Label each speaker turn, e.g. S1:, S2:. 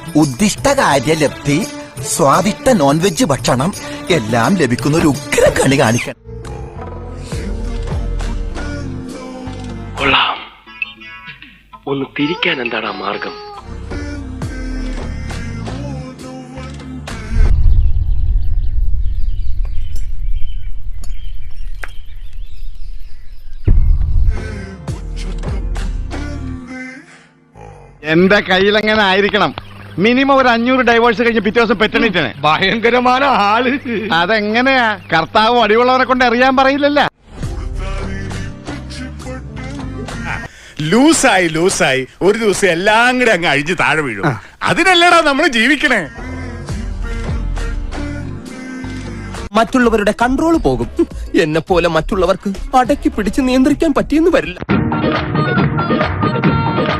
S1: ഉദ്ദിഷ്ട കാര്യലബ്ധി, സ്വാദിഷ്ട non veg ഭക്ഷണം എല്ലാം ലഭിക്കുന്ന ഒരു ഉഗ്ര കളി കാണിക്കണം.
S2: കൊള്ളാം. ഒന്ന് തിരിക്കാൻ എന്താണ് മാർഗം?
S3: എന്റെ കയ്യിലെങ്ങനെ ആയിരിക്കണം? മിനിമം ഒരു 500 ഡൈവേഴ്സ് കഴിഞ്ഞ് പിറ്റേ ദിവസം പെറ്റണിട്ടാണ്.
S4: ഭയങ്കരമായ ആള്.
S3: അതെങ്ങനെയാ? കർത്താവ് അടിയുള്ളവരെ കൊണ്ട് അറിയാൻ പറയില്ലല്ലോ.
S4: ലൂസായി ഒരു ദിവസം എല്ലാം കൂടെ അങ്ങ് അഴിഞ്ഞ് താഴെ വീഴും. അതിനല്ലടാ നമ്മൾ ജീവിക്കണേ.
S5: മറ്റുള്ളവരുടെ കൺട്രോൾ പോകും. എന്നെ പോലെ മറ്റുള്ളവർക്ക് അടക്കി പിടിച്ച് നിയന്ത്രിക്കാൻ പറ്റിയെന്ന് വരില്ല.